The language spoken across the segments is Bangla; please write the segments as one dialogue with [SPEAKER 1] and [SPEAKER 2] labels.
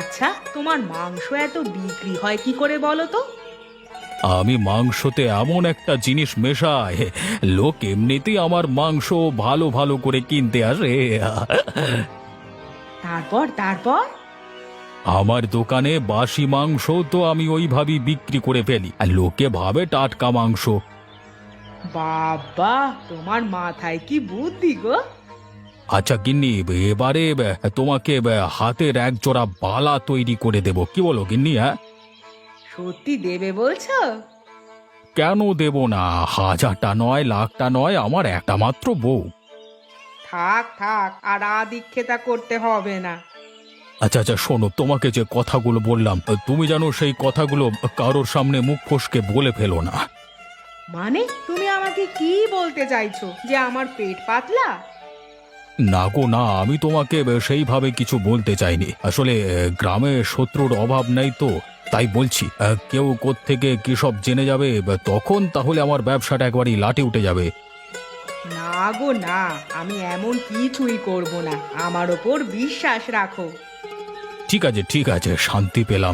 [SPEAKER 1] আচ্ছা, তোমার মাংস এত বিক্রি হয় কি করে বলো তো?
[SPEAKER 2] আমি মাংসতে এমন একটা জিনিস মেশাই, লোক এমনিতেই আমার মাংস ভালো ভালো করে কিনতে আসে।
[SPEAKER 1] তারপর তারপর
[SPEAKER 2] আমার দোকানে বাসি মাংস তো আমি ওইভাবেই বিক্রি করে ফেলি, আর লোকে ভাবে টাটকা মাংস।
[SPEAKER 1] বাবা, তোমার মাথায় কি বুদ্ধি গো!
[SPEAKER 2] আচ্ছা গিন্নি, এবারে তোমাকে হাতের এক জোড়া বালা তৈরি করে দেব, কি বলো গিন্নি? হ্যাঁ,
[SPEAKER 1] সত্যি দেবে বলছো?
[SPEAKER 2] কেন দেব না? হাজারটা নয়, লাখটা নয়, আমার একটা মাত্র বউ।
[SPEAKER 1] থাক থাক, আর আদিক্ষেতা করতে হবে না।
[SPEAKER 2] আচ্ছা আচ্ছা, শোনো, তোমাকে যে কথাগুলো বললাম, তুমি জানো সেই কথাগুলো কারোর সামনে মুখ ফসকে বলে ফেলো না।
[SPEAKER 1] মানে তুমি আমাকে কি বলতে চাইছো, যে আমার পেট পাতলা?
[SPEAKER 2] না গো না, আমি তোমাকে সেইভাবে কিছু বলতে চাইনি। আসলে গ্রামে শত্রুর অভাব নেই তো, তাই বলছি। কেউ কোত্থেকে কি সব জেনে যাবে, তখন তাহলে আমার ব্যবসাটা একবারই লাটে উঠে যাবে।
[SPEAKER 1] না গো না, আমি এমন কিছুই করব না, আমার ওপর বিশ্বাস রাখো।
[SPEAKER 2] ঠিক আছে ঠিক আছে, শান্তি পেলাম।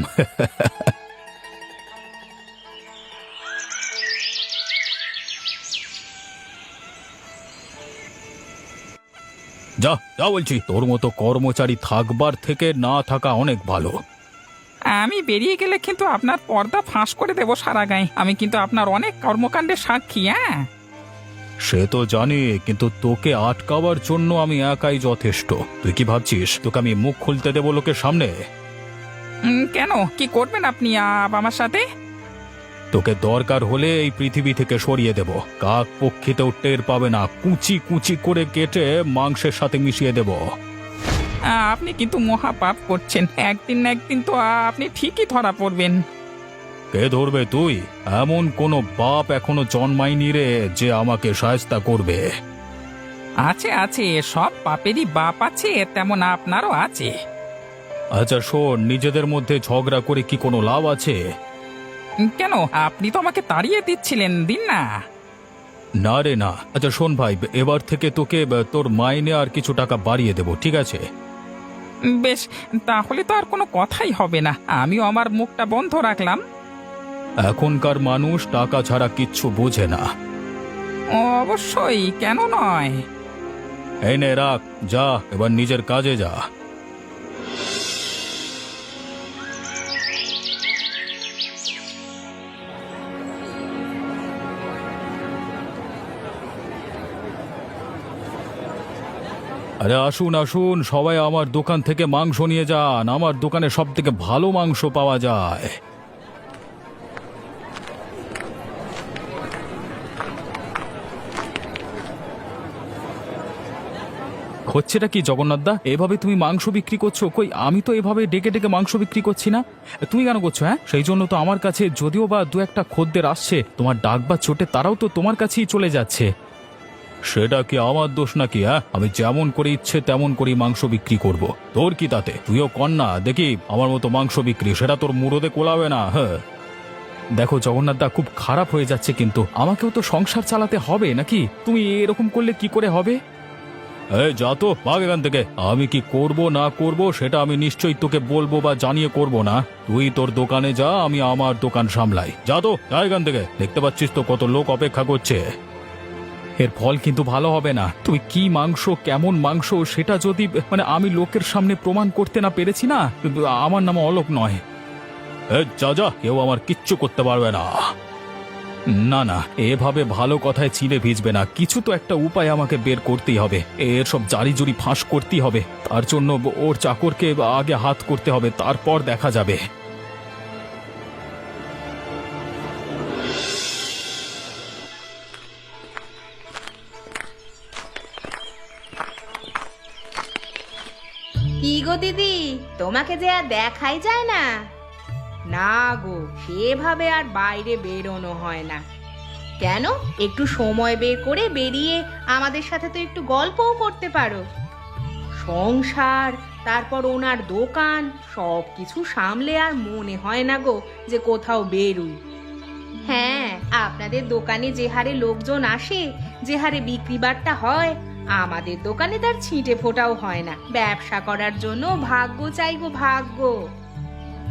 [SPEAKER 2] যা যা বলছি, তোর মতো কর্মচারী থাকবার থেকে না থাকা অনেক ভালো।
[SPEAKER 3] আমি বেরিয়ে গেলে কিন্তু আপনার পর্দা ফাঁস করে দেবো সারা গায়ে। আমি কিন্তু আপনার অনেক কর্মকাণ্ডের সাক্ষী। হ্যাঁ,
[SPEAKER 2] সে তো জানি, কিন্তু তোকে আটকাবার জন্য আমি একাই যথেষ্ট। তুই কি ভাবছিস তোকে আমি মুখ খুলতে দেবো লোকের সামনে?
[SPEAKER 3] কেন, কি করবেন আপনি আমার সাথে?
[SPEAKER 2] তোকে দরকার হলে এই পৃথিবী থেকে সরিয়ে দেব, কাক পক্ষীতেও টের পাবে না, কুচি কুচি করে কেটে মাংসের সাথে মিশিয়ে দেব।
[SPEAKER 3] আপনি কিন্তু মহাপাপ করছেন। একদিন না একদিন তো আপনি ঠিকই ধরা পড়বেন।
[SPEAKER 2] কে ধরবে? তুই? এমন কোনো বাপ এখনো জন্মায়নি রে যে আমাকে সায়স্তা করবে।
[SPEAKER 3] আছে আছে, সব পাপেরই বাপ আছে, তেমন আপনারও আছে।
[SPEAKER 2] আচ্ছা শোন, নিজেদের মধ্যে ঝগড়া করে কি কোনো লাভ আছে?
[SPEAKER 3] কেন, আপনি তো আমাকে তাড়িয়ে দিচ্ছিলেন, দিন না।
[SPEAKER 2] না রে না। আচ্ছা শোন ভাই, এবার থেকে তোকে তোর মাইনে আর কিছু টাকা বাড়িয়ে দেব, ঠিক আছে?
[SPEAKER 3] বেশ, তাহলে তো আর কোনো কথাই হবে না, আমিও আমার মুখটা বন্ধ রাখলাম।
[SPEAKER 2] এখনকার মানুষ টাকা ছাড়া কিচ্ছু বোঝে না।
[SPEAKER 3] অবশ্যই, কেন নয়।
[SPEAKER 2] এই নে রাখ, যা এবার নিজের কাজে যা। আরে আসুন আসুন, সবাই আমার দোকান থেকে মাংস নিয়ে যান। আমার দোকানে সব থেকে ভালো মাংস পাওয়া যায়। হচ্ছেটা কি জগন্নাথদা? এভাবে তুমি মাংস বিক্রি করছো? কই, আমি তো এভাবে ডেকে ডেকে মাংস বিক্রি করছি না। তুমি কেন করছো? হ্যাঁ, সেই জন্য তো আমার কাছে যদিও বা দু একটা খদ্দের আসছে, তোমার ডাক বা চোটে তারাও তো তোমার কাছেই চলে যাচ্ছে। সেটা কি আমার দোষ নাকি? হ্যাঁ, আমি যেমন করে ইচ্ছে তেমন করে মাংস বিক্রি করব। তোর কি তাতে? তুইও কর না দেখি আমার মতো মাংস বিক্রি, সেটা তোর মুরদে কোলাবে না। হ্যাঁ, দেখো জগন্নাথদা, খুব খারাপ হয়ে যাচ্ছে, কিন্তু আমাকেও তো সংসার চালাতে হবে নাকি? তুমি এরকম করলে কি করে হবে? এই যা তো, ভাগ এখান থেকে। আমি কি করব না করব সেটা আমি নিশ্চয়ই তোকে বলবো বা জানিয়ে করব না। তুই তোর দোকানে যা, আমি আমার দোকান সামলাই। যা তো, যা এখান থেকে। দেখতে পাচ্ছিস তো কত লোক অপেক্ষা করছে। এর ফল কিন্তু ভালো হবে না। তুই কি মাংস, কেমন মাংস, সেটা যদি আমি লোকের সামনে প্রমাণ করতে না পেরেছি না, আমার নাম অলোক নয়। যা যা, কেউ আমার কিচ্ছু করতে পারবে না। না না, এভাবে ভালো কথায় চিড়ে ভিজবে না। কিছু তো একটা উপায় আমাকে বের করতেই হবে। এর সব জারি জুরি ফাঁস করতেই হবে। তার জন্য ওর চাকরকে আগে হাত করতে হবে, তারপর দেখা যাবে।
[SPEAKER 1] কি গো দিদি, তোমাকে যে আর দেখাই যায় না। না গো, সেভাবে আর বাইরে বেরোনো হয় না। কেন, একটু সময় বের করে বেরিয়ে আমাদের সাথে তো একটু গল্পও করতে পারো। সংসার, তারপর ওনার দোকান, সব কিছু সামলে আর মনে হয় না গো যে কোথাও বেরুই। হ্যাঁ, আপনাদের দোকানে যে হারে লোকজন আসে, যে হারে বিক্রি বাট্টা হয়, আমাদের দোকানে তার ছিটে ফোটাও হয় না। ব্যবসা করার জন্য ভাগ্য চাই গো, ভাগ্য।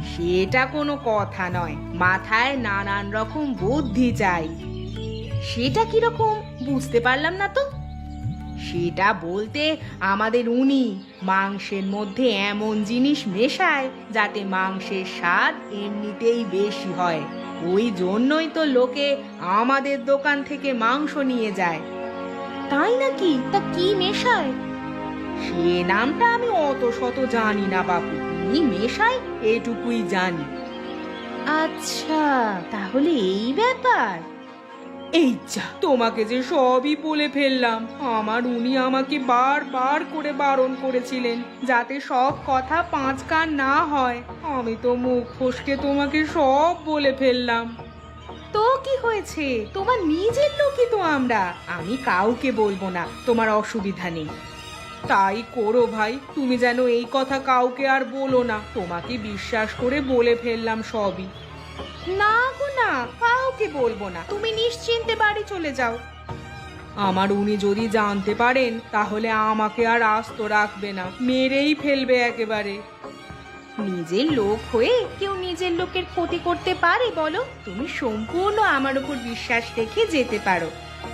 [SPEAKER 1] সেটা কোনো কথা নয়, মাথায় নানান রকম বুদ্ধি চাই। সেটা কিরকম বুঝতে পারলাম না তো। সেটা বলতে আমাদের উনি মাংসের মধ্যে এমন জিনিস মেশায় যাতে মাংসের স্বাদ এমনিতেই বেশি হয়। ওই জন্যই তো লোকে আমাদের দোকান থেকে মাংস নিয়ে যায়। তাই নাকি? তা কি মেশায়? সে নামটা আমি অত শত জানি না বাপু, কি মেশায় এটুকুই জানি। আচ্ছা, তাহলে এই ব্যাপার। এই যা, তোমাকে যে সবই বলে ফেললাম। আমার উনি আমাকে বারবার করে বারণ করেছিলেন যাতে সব কথা পাঁচ কান না হয়। আমি তো মুখ ফসকে তোমাকে সব বলে ফেললাম। তো কি হয়েছে, তোমার নিজের লোকই তো আমরা। আমি কাউকে বলবো না, তোমার অসুবিধা নেই। তাই করো ভাই, তুমি যেন এই কথা কাউকে আর বলো না। তোমাকে বিশ্বাস করে বলে ফেললাম সবই। না গো না, কাউকে বলবো না, তুমি নিশ্চিন্তে বাড়ি চলে যাও। আমার উনি যদি জানতে পারেন তাহলে আমাকে আর আস্ত রাখবে না, মেরেই ফেলবে একেবারে। নিজের লোক হয়ে কেউ নিজের লোকের ক্ষতি করতে পারে বলো? তুমি সম্পূর্ণ আমার উপর বিশ্বাস রেখে যেতে পারো।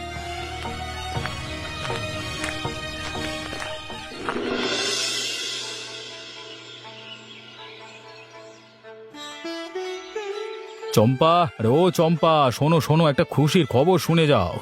[SPEAKER 2] চম্পা, আরে ও চম্পা, শোনো শোনো, একটা খুশির খবর শুনে যাও।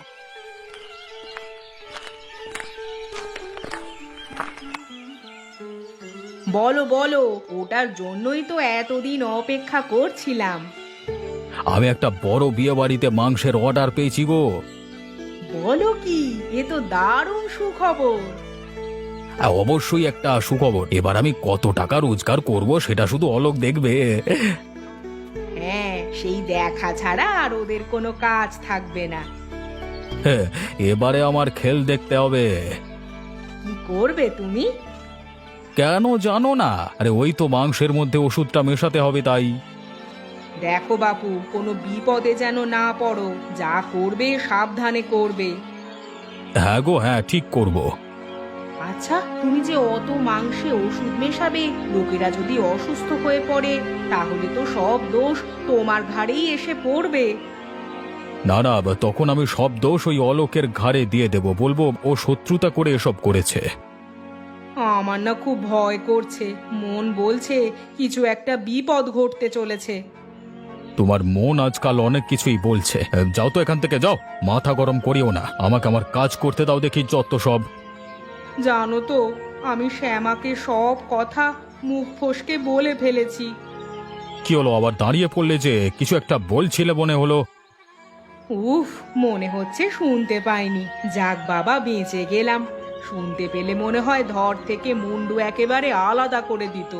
[SPEAKER 1] বলো বলো, ওটার জন্যই তো এতদিন অপেক্ষা করছিলাম।
[SPEAKER 2] আমি একটা বড় বিয়ে বাড়িতে মাংসের অর্ডার পেয়েছি গো।
[SPEAKER 1] বলো কি, এ তো দারুণ সুখবর।
[SPEAKER 2] অবশ্যই একটা সুখবর। এবার আমি কত টাকা রোজগার করব সেটা শুধু অলোক দেখবে।
[SPEAKER 1] হ্যাঁ, সেই দেখা ছাড়া আর ওদের কোনো কাজ থাকবে না।
[SPEAKER 2] হ্যাঁ, এবারে আমার খেল দেখতে হবে।
[SPEAKER 1] কি করবে তুমি?
[SPEAKER 2] কেন জানো না? আরে ওই তো মাংসের মধ্যে ওষুধটা মেশাতে হবে তাই।
[SPEAKER 1] দেখো বাপু, কোনো বিপদে যেন না পড়ো। যা করবে সাবধানে করবে।
[SPEAKER 2] হ্যাঁ গো, হ্যাঁ ঠিক করব।
[SPEAKER 1] আচ্ছা, তুমি যে অত মাংসে ওষুধ মেশাবে, লোকেরা যদি অসুস্থ হয়ে পড়ে তাহলে তো সব দোষ তোমার ঘাড়েই এসে পড়বে।
[SPEAKER 2] না না, তখন আমি সব দোষ ওই অলোকের ঘাড়ে দিয়ে দেব, বলবো ও শত্রুতা করে এসব করেছে।
[SPEAKER 1] আমার না খুব ভয় করছে, মন বলছে কিছু একটা বিপদ ঘটতে চলেছে।
[SPEAKER 2] তোমার মন আজকাল অনেক কিছুই বলছে। যাও তো এখান থেকে, যাও, মাথা গরম করিও না, আমাকে আমার কাজ করতে দাও, দেখি যত সব।
[SPEAKER 1] জানো তো, আমি শ্যামাকে সব কথা মুখ ফসকে বলে ফেলেছি।
[SPEAKER 2] কি হলো, আবার দাঁড়িয়ে পড়লে যে? কিছু একটা বলছিলে মনে হলো।
[SPEAKER 1] উফ, মনে হচ্ছে শুনতে পাইনি। যাক বাবা, বেঁচে গেলাম। শুনতে পেলে মনে হয় ধর থেকে মুন্ডু একেবারে আলাদা করে দিত।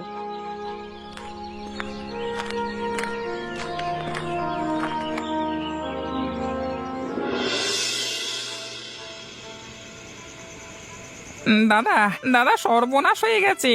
[SPEAKER 3] দাদা, দাদা, সর্বনাশ হয়ে গেছে।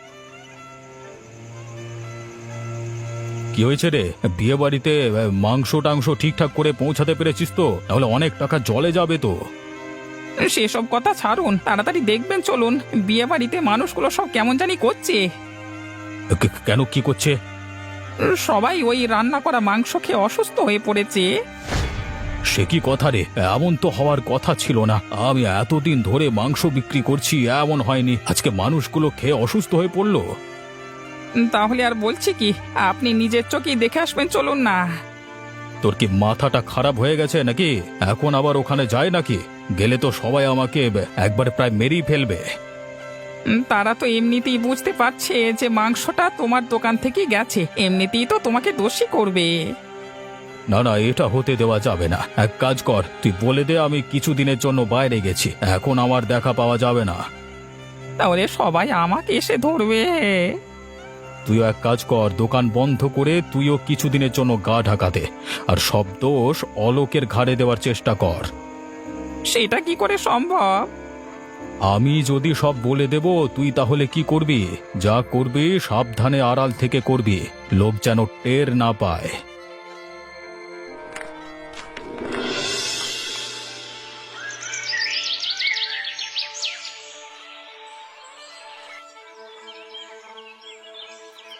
[SPEAKER 2] কি হয়েছে রে? বিয়ে বাড়িতে মাংস টাংস ঠিকঠাক করে পৌঁছাতে পেরেছিস তো? তাহলে অনেক টাকা জলে যাবে তো।
[SPEAKER 3] সেসব কথা ছাড়ুন, তাড়াতাড়ি দেখবেন চলুন। বিয়ে বাড়িতে মানুষগুলো সব কেমন জানি করছে।
[SPEAKER 2] কেন, কি করছে?
[SPEAKER 3] সবাই ওই রান্না করা মাংস খেয়ে অসুস্থ হয়ে পড়েছে।
[SPEAKER 2] সে কি কথা রে? এমন তো হওয়ার কথা ছিল না। আমি এতদিন ধরে মাংস বিক্রি করছি, এমন হয়নি। আজকে মানুষগুলো খেয়ে অসুস্থ হয়ে পড়লো।
[SPEAKER 3] তাহলে আর বলছি কি, আপনি নিজের চোখেই দেখে আসবেন চলুন না।
[SPEAKER 2] তোর কি মাথাটা খারাপ হয়ে গেছে নাকি? এখন আবার ওখানে যায় নাকি? গেলে তো সবাই আমাকে একবারে প্রায় মেরেই ফেলবে।
[SPEAKER 3] তারা তো এমনিতেই বুঝতে পারছে যে মাংসটা তোমার দোকান থেকেই গেছে, এমনিতেই তো তোমাকে দোষী করবে।
[SPEAKER 2] না না, এটা হতে দেওয়া যাবে না। এক কাজ কর, তুই বলে দে আমি কিছুদিনের জন্য বাইরে গেছি, এখন আমার দেখা পাওয়া যাবে না।
[SPEAKER 3] তাহলে সবাই আমাকে এসে ধরবে।
[SPEAKER 2] তুইও এক কাজ কর, দোকান বন্ধ করে তুইও কিছুদিনের জন্য গা ঢাকাতে, আর সব দোষ অলোকের ঘাড়ে দেওয়ার চেষ্টা কর।
[SPEAKER 3] সেটা কি করে সম্ভব?
[SPEAKER 2] আমি যদি সব বলে দেব, তুই তাহলে কি করবি? যা করবি সাবধানে আড়াল থেকে করবি, লোক যেন টের না পায়।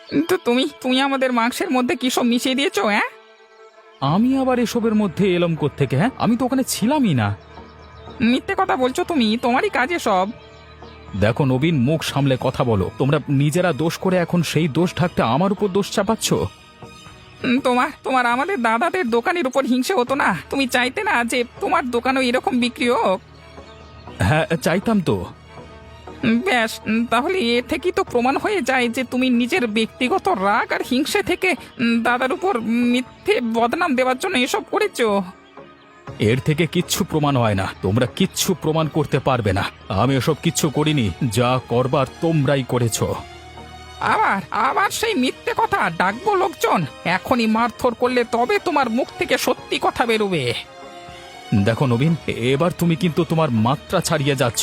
[SPEAKER 3] তো তুমি তুমি আমাদের মাংসের মধ্যে কি সব মিশিয়ে দিয়েছো? হ্যাঁ,
[SPEAKER 2] আমি আবার এসবের মধ্যে এলাম কোত্থেকে? হ্যাঁ, আমি তো ওখানে ছিলামই না।
[SPEAKER 3] মিথ্যে কথা বলছো তুমি, তোমারই কাজে সব।
[SPEAKER 2] দেখো নবীন, মুখ সামলে কথা বলো। তোমরা নিজেরা দোষ করে এখন সেই দোষ ঢাকতে আমার উপর দোষ চাপাচ্ছ।
[SPEAKER 3] তোমার তোমার আমাদের দাদাদের দোকানের উপর হিংসে হতো না? তুমি চাইতে না যে তোমার দোকানও এরকম বিক্রি হোক?
[SPEAKER 2] হ্যাঁ, চাইতাম তো।
[SPEAKER 3] ব্যাস, তাহলে এ থেকেই তো প্রমাণ হয়ে যায় যে তুমি নিজের ব্যক্তিগত রাগ আর হিংসে থেকে দাদার উপর মিথ্যে বদনাম দেওয়ার জন্য এসব করেছো।
[SPEAKER 2] এর থেকে কিচ্ছু প্রমাণ হয় না। তোমরা কিচ্ছু প্রমাণ করতে পারবে না। আমি এসব কিচ্ছু করিনি। যা করবার তোমরাই করেছো।
[SPEAKER 3] আবার আবার সেই মিথ্যে কথা? ডাকবো লোকজন? এখনই মারধর করলে তবে তোমার মুখ থেকে সত্যি কথা বেরোবে।
[SPEAKER 2] দেখো নবীন, এবার তুমি কিন্তু তোমার মাত্রা ছাড়িয়ে যাচ্ছ।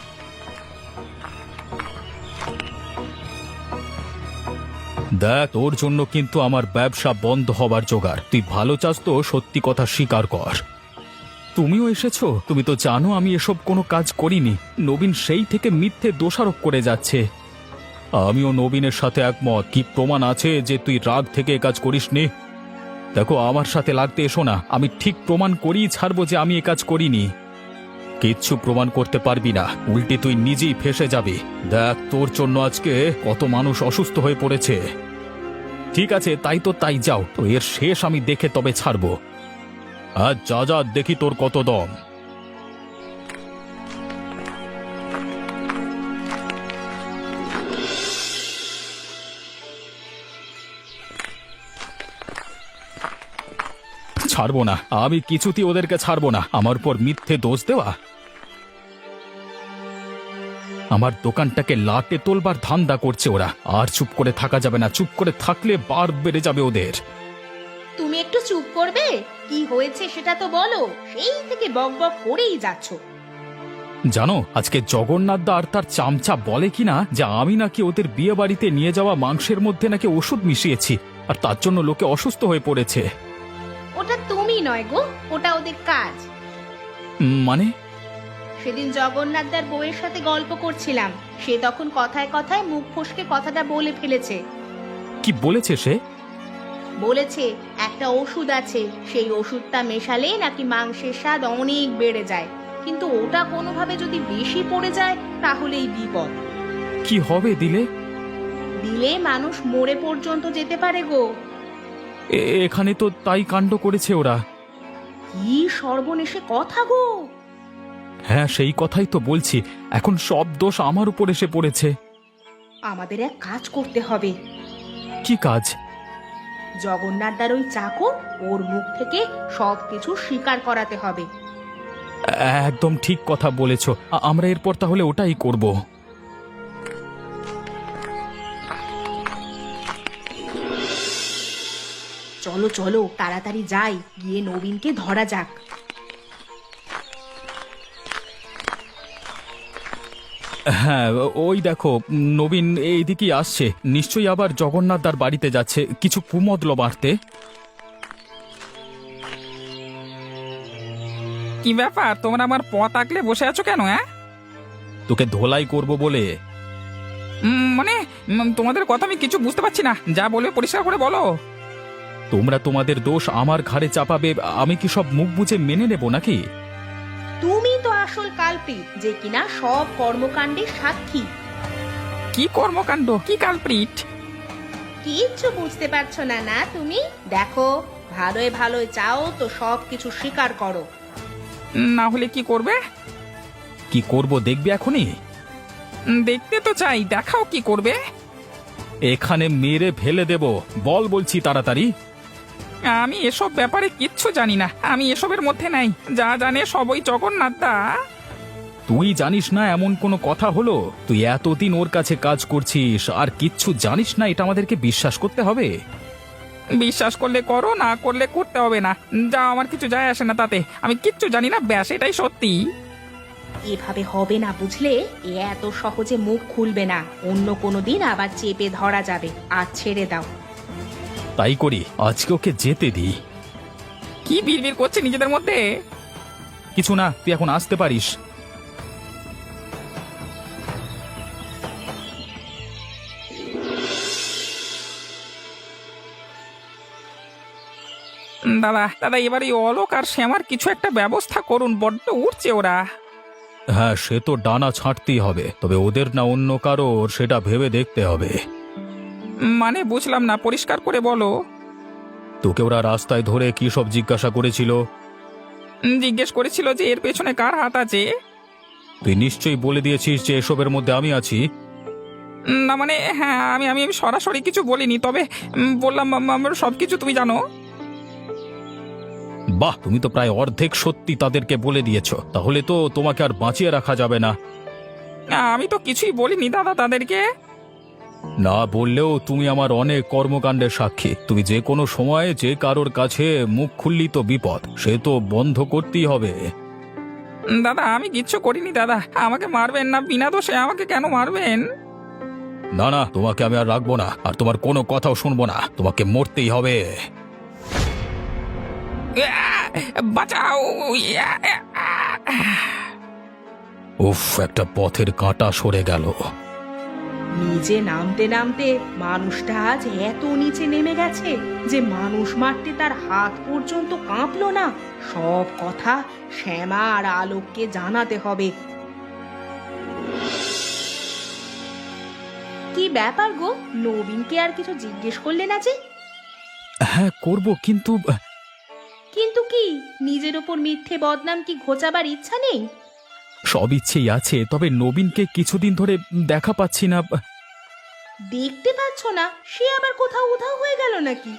[SPEAKER 2] দেখ, তোর জন্য কিন্তু আমার ব্যবসা বন্ধ হবার জোগাড়। তুই ভালো চাস তো সত্যি কথা স্বীকার কর। তুমিও এসেছো? তুমি তো জানো আমি এসব কোনো কাজ করিনি। নবীন সেই থেকে মিথ্যে দোষারোপ করে যাচ্ছে। আমিও নবীনের সাথে একমত। কি প্রমাণ আছে যে তুই রাগ থেকে এ কাজ করিসনি? দেখো, আমার সাথে লাগতে এসো না। আমি ঠিক প্রমাণ করেই ছাড়বো যে আমি এ কাজ করিনি। কিচ্ছু প্রমাণ করতে পারবি না, উল্টে তুই নিজেই ফেঁসে যাবি। দেখ, তোর জন্য আজকে কত মানুষ অসুস্থ হয়ে পড়েছে। ঠিক আছে, তাই তো তাই, যাও তো, এর শেষ আমি দেখে তবে ছাড়বো। আজ যা যা, দেখি তোর কত দম। ছাড়বো না, আমি কিছুতেই ওদেরকে ছাড়বো না। আমার উপর মিথ্যে দোষ দেওয়া। আমার দোকানটাকে লাটে তোলবার ধান্দা করছে ওরা। আর চুপ করে থাকা যাবে না। চুপ করে থাকলে বার বেড়ে যাবে ওদের।
[SPEAKER 1] তুমি একটু চুপ করবে? কি হয়েছে সেটা তো বলো। সেই থেকে বকবক করেই যাচ্ছ।
[SPEAKER 2] জানো, আজকে জগন্নাথদা আর তার চামচা বলে কিনা যে আমি নাকি ওদের বিয়ে বাড়িতে নিয়ে যাওয়া মাংসের মধ্যে নাকি ওষুধ মিশিয়েছি, আর তার জন্য লোকে অসুস্থ হয়ে পড়েছে।
[SPEAKER 1] ওটা তুমি নয় গো, ওটা ওদের কাজ।
[SPEAKER 2] মানে?
[SPEAKER 1] সেদিন জগন্নাথদার বউয়ের সাথে গল্প করছিলাম। সে তখন কথায় কথায় মুখ ফসকে কথাটা বলে ফেলেছে।
[SPEAKER 2] কি বলেছে সে?
[SPEAKER 1] বলেছে একটা ওষুধ আছে, সেই ওষুধটা মেশালে নাকি মাংসের স্বাদ অনেক বেড়ে যায়, কিন্তু ওটা কোনোভাবে যদি বেশি পড়ে যায় তাহলেই বিপদ।
[SPEAKER 2] কি হবে দিলে?
[SPEAKER 1] দিলে মানুষ মরে পর্যন্ত যেতে পারে গো।
[SPEAKER 2] এখানে তো তাই কাণ্ড করেছে ওরা।
[SPEAKER 1] কি সর্বনেশে কথা গো!
[SPEAKER 2] হ্যাঁ, সেই কথাই তো বলছি। এখন সব দোষ আমার উপর এসে পড়েছে।
[SPEAKER 1] আমাদের এক কাজ করতে হবে।
[SPEAKER 2] কি কাজ?
[SPEAKER 1] জগন্নাথদার ওই চাকর, ওর মুখ থেকে সবকিছু স্বীকার করাতে হবে।
[SPEAKER 2] একদম ঠিক কথা বলেছ। আমরা এরপর তাহলে ওটাই করব।
[SPEAKER 1] চলো চলো, তাড়াতাড়ি যাই, গিয়ে নবীনকে ধরা যাক।
[SPEAKER 2] হ্যাঁ, ওই দেখো, নবীন এইদিকেই আসছে। নিশ্চয়ই আবার জগন্নাথদার বাড়িতে যাচ্ছে কিছু কুমদল বাড়তে।
[SPEAKER 3] কি ব্যাপার, তোমরা আমার পথ আগলে বসে আছো কেন? হ্যাঁ,
[SPEAKER 2] তোকে ধোলাই করব বলে।
[SPEAKER 3] মানে তোমাদের কথা আমি কিছু বুঝতে পারছি না। যা বলবে পরিষ্কার করে বলো।
[SPEAKER 2] তোমরা তোমাদের দোষ আমার ঘাড়ে চাপাবে, আমি কি সব মুখ বুঝে মেনে নেব নাকি?
[SPEAKER 1] তুমি তো আসল কালপ্রিট, যে কিনা সব কর্মকাণ্ডের সাক্ষী।
[SPEAKER 3] কি কর্মকাণ্ড, কি কালপ্রিট?
[SPEAKER 1] কিচ্ছু বুঝতে পারছো না না তুমি? দেখো, ভালোই ভালোই চাও তো সব কিছু স্বীকার করো।
[SPEAKER 3] না হলে কি করবে?
[SPEAKER 2] কি করব দেখবি এখনই?
[SPEAKER 3] দেখতে তো চাই, দেখাও কি করবে।
[SPEAKER 2] এখানে মেরে ফেলে দেব। বল বলছি তাড়াতাড়ি।
[SPEAKER 3] আমি এসব ব্যাপারে কিচ্ছু জানি না। আমি এসবের মধ্যে নাই। যা জানে সবই জগন্নাথদা।
[SPEAKER 2] তুই জানিস না এমন কোনো কথা হলো? তুই এতদিন ওর কাছে কাজ করছিস আর কিচ্ছু জানিস না, এটা আমাদেরকে বিশ্বাস করতে হবে?
[SPEAKER 3] বিশ্বাস করলে করো, না করলে করতে হবে না। যা, আমার কিছু যায় আসে না তাতে। আমি কিচ্ছু জানি না, ব্যাস, এটাই সত্যি।
[SPEAKER 1] এভাবে হবে না বুঝলে। এ এত সহজে মুখ খুলবে না। অন্য কোনো দিন আবার চেপে ধরা যাবে। আর ছেড়ে দাও।
[SPEAKER 2] তাই করি, আজকে ওকে যেতে দিই।
[SPEAKER 3] কি বিড়বিড় করছে নিজেদের মধ্যে?
[SPEAKER 2] কিছু না, তুই এখন আসতে পারিস।
[SPEAKER 3] দাদা দাদা এবার এই অলোক আর শ্যামার কিছু একটা ব্যবস্থা করুন, বড্ড উঠছে ওরা।
[SPEAKER 2] হ্যাঁ, সে তো ডানা ছাঁটতেই হবে, তবে ওদের না অন্য কারোর সেটা ভেবে দেখতে হবে।
[SPEAKER 3] মানে বুঝলাম না, পরিষ্কার করে বলো।
[SPEAKER 2] তোকে ওরা রাস্তায় ধরে কি সব জিজ্ঞাসা করেছিল?
[SPEAKER 3] জিজ্ঞেস করেছিল যে এর পেছনে কার হাত আছে।
[SPEAKER 2] তুই নিশ্চয়ই বলে দিয়েছিস যে এসবের মধ্যে আমি আছি।
[SPEAKER 3] না মানে হ্যাঁ, আমি আমি আমি সরাসরি কিছু বলিনি, তবে বললাম আমার সব কিছু তুমি জানো।
[SPEAKER 2] বাহ, তুমি তো প্রায় অর্ধেক সত্যি তাদেরকে বলে দিয়েছো, তাহলে তো তোমাকে আর বাঁচিয়ে রাখা যাবে না।
[SPEAKER 3] আমি তো কিছুই বলিনি দাদা তাদেরকে।
[SPEAKER 2] না বললেও তুমি আমার অনেক কর্মকাণ্ডের সাক্ষী। তুমি যে কোনো সময় যে কারোর কাছে মুখ খুললি তো বিপদ, সে তো বন্ধ করতেই হবে।
[SPEAKER 3] দাদা আমি কিচ্ছু করিনি দাদা, আমাকে মারবেন না, বিনা দোষে আমাকে কেন মারবেন?
[SPEAKER 2] না না, তোমাকে আমি আর রাখবো না, আর তোমার কোনো কথাও শুনবো না, তোমাকে মরতেই হবে।
[SPEAKER 3] বাঁচাও!
[SPEAKER 2] উফ, একটা পথের কাঁটা সরে গেল।
[SPEAKER 1] নিচে নামতে নামতে মানুষটা আজ এত নিচে নেমে গেছে যে মানুষ মারতে তার হাত পর্যন্ত কাঁপলো না। সব কথা শ্যামা আর আলোককে জানাতে হবে। কি ব্যাপার গো, নবীনকে আর কিছু জিজ্ঞেস করলে না যে?
[SPEAKER 2] হ্যাঁ করব, কিন্তু
[SPEAKER 1] কিন্তু কি, নিজের ওপর মিথ্যে বদনাম কি ঘোচাবার ইচ্ছা নেই?
[SPEAKER 2] সব ইচ্ছেই আছে, তবে নবীনকে কিছুদিন ধরে দেখা পাচ্ছি না।
[SPEAKER 1] দেখতে পাচ্ছ না? সে আবার কোথাও উধাও হয়ে গেল নাকি?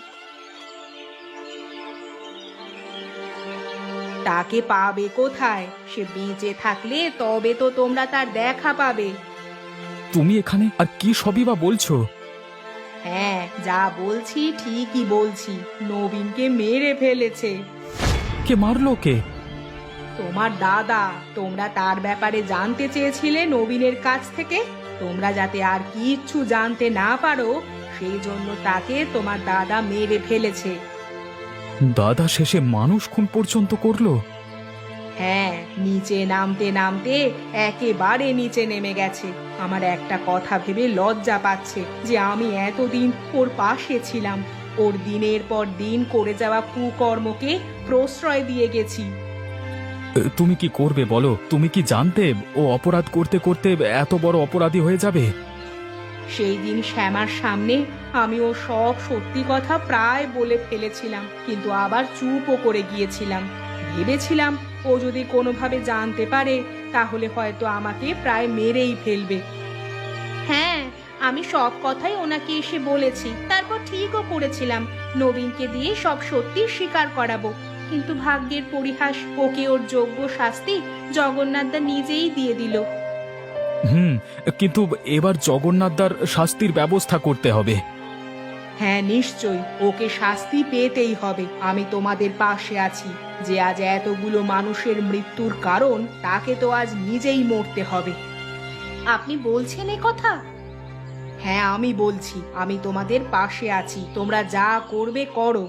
[SPEAKER 1] তাকে পাবে কোথায়? সে বেঁচে থাকলে তবে তো তোমরা তার দেখা পাবে।
[SPEAKER 2] তুমি এখানে আর কি সবই বা বলছো?
[SPEAKER 1] হ্যাঁ, যা বলছি ঠিকই বলছি। নবীনকে মেরে ফেলেছে।
[SPEAKER 2] কে মারলো? কে?
[SPEAKER 1] তোমার দাদা। তোমরা তার ব্যাপারে জানতে চেয়েছিলে নবীনের কাছ থেকে। তোমরা যাতে আর কিচ্ছু জানতে না পারো সেই জন্য তাকে তোমার দাদা মেরে ফেলেছে।
[SPEAKER 2] দাদা শেষে মানুষ খুন পর্যন্ত করলো?
[SPEAKER 1] হ্যাঁ, নিচে নামতে নামতে একেবারে নিচে নেমে গেছে। আমার একটা কথা ভেবে লজ্জা পাচ্ছে যে আমি এতদিন ওর পাশে ছিলাম, ওর দিনের পর দিন করে যাওয়া কুকর্মকে প্রশ্রয় দিয়ে গেছি।
[SPEAKER 2] তুমি কি করবে বলো? তুমি কি জানতে ও অপরাধ করতে করতে এত বড় অপরাধী হয়ে যাবে?
[SPEAKER 1] সেই দিন শ্যামার সামনে আমি ও সব সত্যি কথা প্রায় বলে ফেলেছিলাম, কিন্তু আবার চুপও করে গিয়েছিলাম। ভেবেছিলাম ও যদি কোনোভাবে জানতে পারে তাহলে হয়তো আমাকে প্রায় মেরেই ফেলবে। হ্যাঁ, আমি সব কথাই ওনাকে এসে বলেছি, তারপর ঠিকও করেছিলাম নবীনকে দিয়ে সব সত্যি স্বীকার করাবো। কিন্তু ভাগ্যের পরিহাস, ওকে ওর যোগ্য শাস্তি জগন্নাথদা নিজেই দিয়ে দিল।
[SPEAKER 2] কিন্তু এবার জগন্নাথদার শাস্তির ব্যবস্থা করতে হবে।
[SPEAKER 1] হ্যাঁ নিশ্চয়ই, ওকে শাস্তি পেতেই হবে। আমি তোমাদের পাশে আছি। যে আজ এতগুলো মানুষের মৃত্যুর কারণ, তাকে তো আজ নিজেই মরতে হবে। আপনি বলছেন এ কথা? হ্যাঁ আমি বলছি, আমি তোমাদের পাশে আছি। তোমরা যা করবে করো।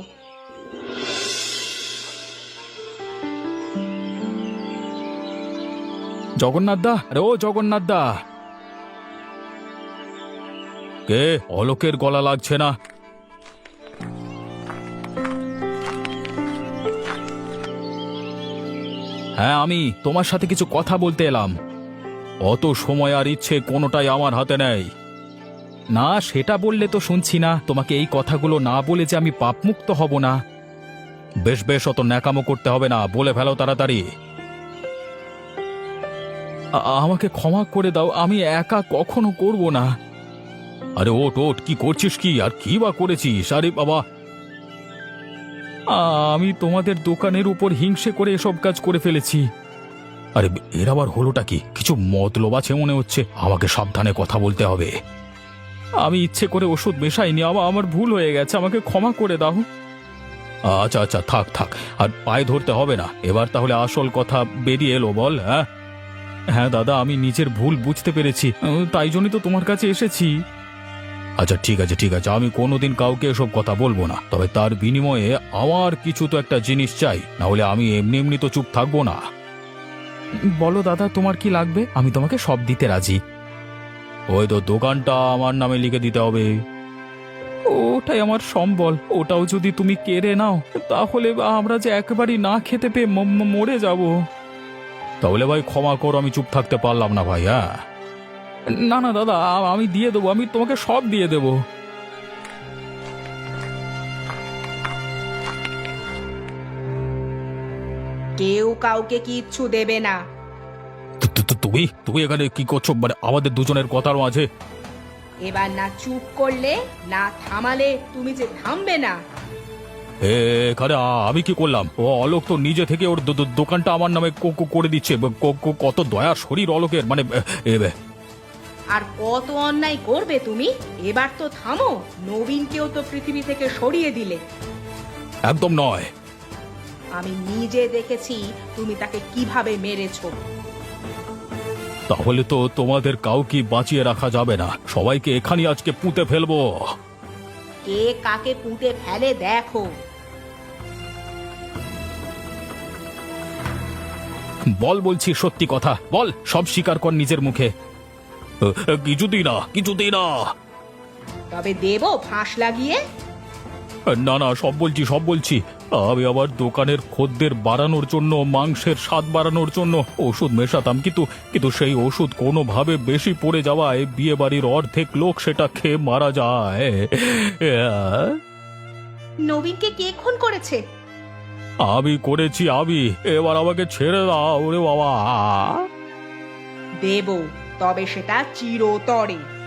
[SPEAKER 2] জগন্নাথদা, আরে ও জগন্নাথদা! কে? অলোকের গলা লাগছে না। হ্যাঁ আমি তোমার সাথে কিছু কথা বলতে এলাম। অত সময় আর ইচ্ছে কোনোটাই আমার হাতে নেই। না সেটা বললে তো শুনছি না। তোমাকে এই কথাগুলো না বলে যে আমি পাপমুক্ত হব না। বেশ বেশ, অত ন্যাকামো করতে হবে না, বলে ফেলো তাড়াতাড়ি। আমাকে ক্ষমা করে দাও, আমি একা কখনো করব না। আরে ওট ওট, কি করছিস? কি আর কি বা করেছিস? আরে বাবা, আমি তোমাদের দোকানের উপর হিংসে করে এসব কাজ করে ফেলেছি। আরে এর আবার হলোটা কি? কিছু মতলব আছে মনে হচ্ছে। আমাকে সাবধানে কথা বলতে হবে। আমি ইচ্ছে করে ওষুধ মেশাইনি, আমার ভুল হয়ে গেছে, আমাকে ক্ষমা করে দাও। আচ্ছা আচ্ছা, থাক থাক, আর পায়ে ধরতে হবে না। এবার তাহলে আসল কথা বেরিয়ে এলো, বল। হ্যাঁ হ্যাঁ দাদা, আমি নিজের ভুল বুঝতে পেরেছি, তাই জন্যই তো তোমার কাছে এসেছি। আচ্ছা ঠিক আছে ঠিক আছে, আমি কোনোদিন কাউকে এসব কথা বলবো না। তবে তার বিনিময়ে আমার কিছু তো একটা জিনিস চাই, না হলে আমি এমনি এমনি তো চুপ থাকবো না। বলো দাদা, তোমার কি লাগবে? আমি তোমাকে সব দিতে রাজি। ওই তো দোকানটা আমার নামে লিখে দিতে হবে। ওটাই আমার সম্বল। ওটাও যদি তুমি কেড়ে নাও তাহলে আমরা যে একেবারেই না খেতে পেয়ে মরে যাব। তাহলে ভাই ক্ষমা করো, আমি চুপ থাকতে পারলাম না ভাই। হ্যাঁ, না না দাদা, আমি দিয়ে দেবো, আমি তোমাকে সব দিয়ে দেবো।
[SPEAKER 1] কেউ কাউকে কিচ্ছু দেবে না।
[SPEAKER 2] তুমি তুমি এখানে কি করছো? মানে আমাদের দুজনের কথার মাঝে?
[SPEAKER 1] এবার না চুপ করলে না থামালে তুমি যে থামবে না।
[SPEAKER 2] এখানে আমি কি করলাম? ও অলোক তো নিজে থেকে ওর দোকানটা আমার নামে করে দিচ্ছে। কত দয়া শরীর অলোকের, মানে
[SPEAKER 1] আর কত অন্যায় করবে তুমি? এবার তো থামো। নবীনকেও তো পৃথিবী থেকে সরিয়ে দিলে।
[SPEAKER 2] একদম নয়।
[SPEAKER 1] আমি নিজে দেখেছি তুমি তাকে কিভাবে মেরেছো।
[SPEAKER 2] তাহলে তো তোমাদের কাউকে বাঁচিয়ে রাখা যাবে না, সবাইকে এখানে আজকে পুঁতে ফেলবো।
[SPEAKER 1] কে কাকে পুঁতে ফেলে দেখো।
[SPEAKER 2] বল, বলছি সত্যি কথা বল, সব স্বীকার কর নিজের মুখে। কিছুতেই না, কিছুতেই না।
[SPEAKER 1] তবে দেবো ফাঁস লাগিয়ে।
[SPEAKER 2] না না, সব বলছি, সব বলছি। আমি আমার দোকানের খদ্দের বাড়ানোর জন্য, মাংসের স্বাদ বাড়ানোর জন্য ওষুধ মেশাতাম, কিন্তু সেই ওষুধ কোনোভাবে বেশি পড়ে যাওয়ায় বিয়ে বাড়ির অর্ধেক লোক সেটা খেয়ে মারা যায়।
[SPEAKER 1] নবীনকে কে খুন করেছে?
[SPEAKER 2] আমি করেছি, আমি। এবার আমাকে ছেড়ে দাও ওরে বাবা।
[SPEAKER 1] দেবো, তবে সেটা চিরতরে।